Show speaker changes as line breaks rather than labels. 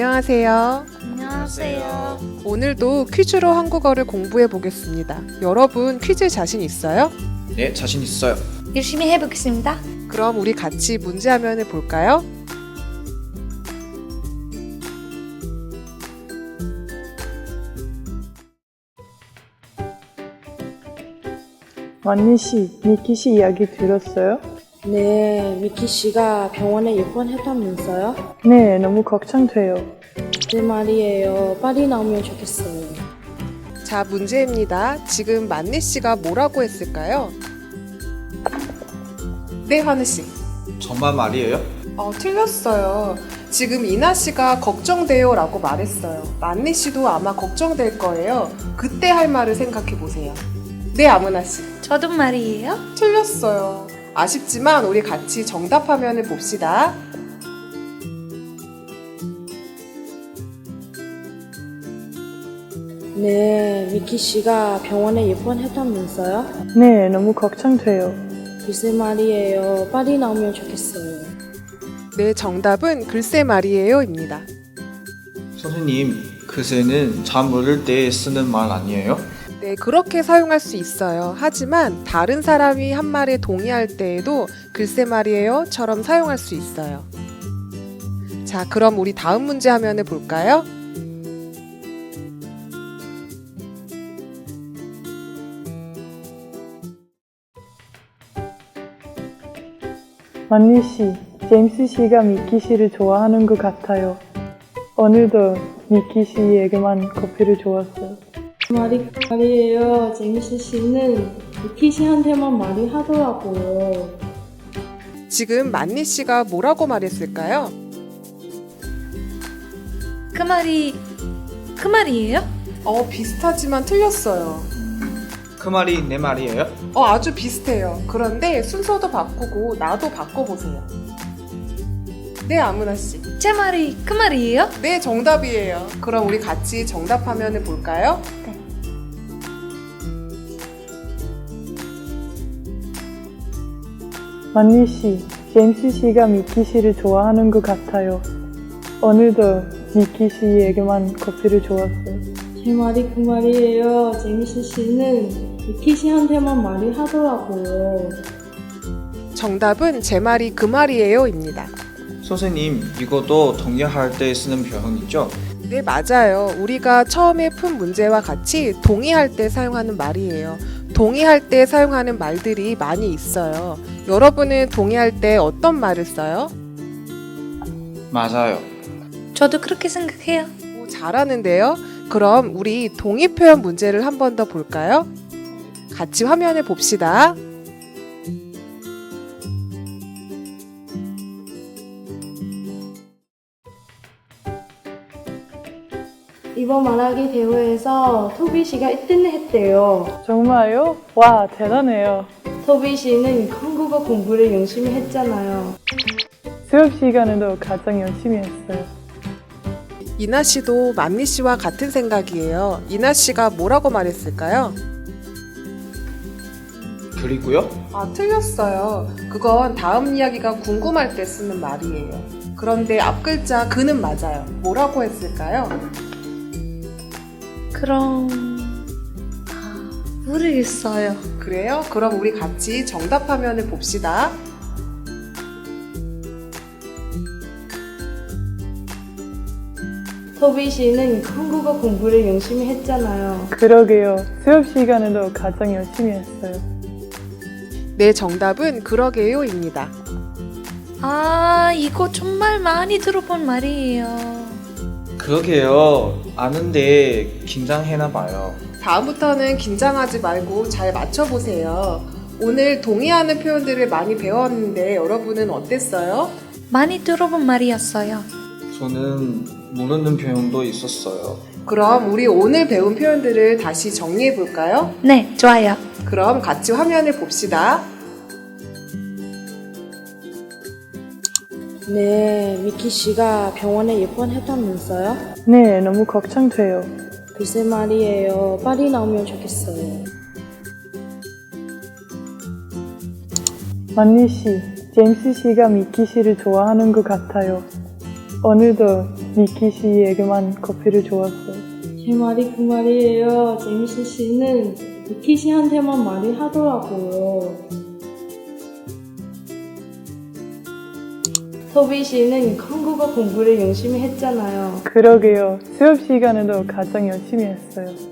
안녕하세요.
안녕하세요.
오늘도 퀴즈로 한국어를 공부해 보겠습니다. 여러분 퀴즈 자신 있어요?
네, 자신 있어요.
열심히 해보겠습니다.
그럼 우리 같이 문제 화면을 볼까요?
만니 씨, 미키 씨 이야기 들었어요?
네, 미키 씨가 병원에 입원했다면서요?
네, 너무 걱정돼요.
네 말이에요. 빨리 나오면 좋겠어요.
자, 문제입니다. 지금 만니 씨가 뭐라고 했을까요? 네, 환우 씨.
정말 말이에요?
틀렸어요. 지금 이나 씨가 걱정돼요 라고 말했어요. 만니 씨도 아마 걱정될 거예요. 그때 할 말을 생각해 보세요. 네, 아무나 씨.
저도 말이에요.
틀렸어요. 아쉽지만 우리 같이 정답 화면을 봅시다.
네, 미키 씨가 병원에 입원했다면서요?
네, 너무 걱정돼요.
글쎄 말이에요. 빨리 나오면 좋겠어요.
네, 정답은 글쎄 말이에요입니다.
선생님, 글쎄는 잠 모를 때 쓰는 말 아니에요?
네, 그렇게 사용할 수 있어요. 하지만 다른 사람이 한 말에 동의할 때에도 글쎄 말이에요처럼 사용할 수 있어요. 자, 그럼 우리 다음 문제 화면을 볼까요?
만니 씨, 제임스 씨가 미키 씨를 좋아하는 것 같아요. 오늘도 미키 씨에게만 커피를 주었어요.
말이에요. 제임스 씨는 미키 씨한테만 말이 하더라고요.
지금 만니 씨가 뭐라고 말했을까요?
그 말이에요?
비슷하지만 틀렸어요.
그 말이 내 말이에요?
아주 비슷해요. 그런데 순서도 바꾸고 나도 바꿔보세요. 네, 아무나 씨.
제 말이 그 말이에요?
네, 정답이에요. 그럼 우리 같이 정답 화면을 볼까요?
네.
만니 씨, 제임스 씨가 미키 씨를 좋아하는 것 같아요. 오늘도 미키 씨에게만 커피를 주었어요.
제 말이 그 말이에요. 제임스 씨는 미키 씨한테만 말이 하더라고요.
정답은 제 말이 그 말이에요입니다.
선생님, 이것도 동의할 때 쓰는 표현이죠?
네, 맞아요. 우리가 처음에 푼 문제와 같이 동의할 때 사용하는 말이에요. 동의할 때 사용하는 말들이 많이 있어요. 여러분은 동의할 때 어떤 말을 써요?
맞아요.
저도 그렇게 생각해요.
잘하는데요. 그럼 우리 동의 표현 문제를 한 번 더 볼까요? 같이 화면을 봅시다.
이번 말하기 대회에서 토비 씨가 1등을 했대요.
정말요? 와, 대단해요.
토비 씨는 한국어 공부를 열심히 했잖아요.
수업 시간에도 가장 열심히 했어요.
이나 씨도 만니 씨와 같은 생각이에요. 이나 씨가 뭐라고 말했을까요?
그리고요?
틀렸어요. 그건 다음 이야기가 궁금할 때 쓰는 말이에요. 그런데 앞 글자 그는 맞아요. 뭐라고 했을까요?
그럼 모르겠어요.
그래요? 그럼 우리 같이 정답 화면을 봅시다.
토비 씨는 한국어 공부를 열심히 했잖아요.
그러게요. 수업 시간에도 가장 열심히 했어요.
네, 정답은 그러게요입니다.
이거 정말 많이 들어본 말이에요.
그러게요. 아는데 긴장해나 봐요.
다음부터는 긴장하지 말고 잘 맞춰보세요. 오늘 동의하는 표현들을 많이 배웠는데 여러분은 어땠어요?
많이 들어본 말이었어요.
저는 모르는 표현도 있었어요.
그럼 우리 오늘 배운 표현들을 다시 정리해 볼까요?
네, 좋아요.
그럼 같이 화면을 봅시다.
네, 미키 씨가 병원에 입원했다면서요?
네, 너무 걱정돼요.
글쎄 말이에요. 빨리 나오면 좋겠어요.
만니 씨, 제임스 씨가 미키 씨를 좋아하는 것 같아요. 오늘도 니키 씨에게만 커피를 주었어요.
제 말이 그 말이에요. 제미씨 씨는 니키 씨한테만 말을 하더라고요. 토비 씨는 한국어 공부를 열심히 했잖아요.
그러게요. 수업 시간에도 가장 열심히 했어요.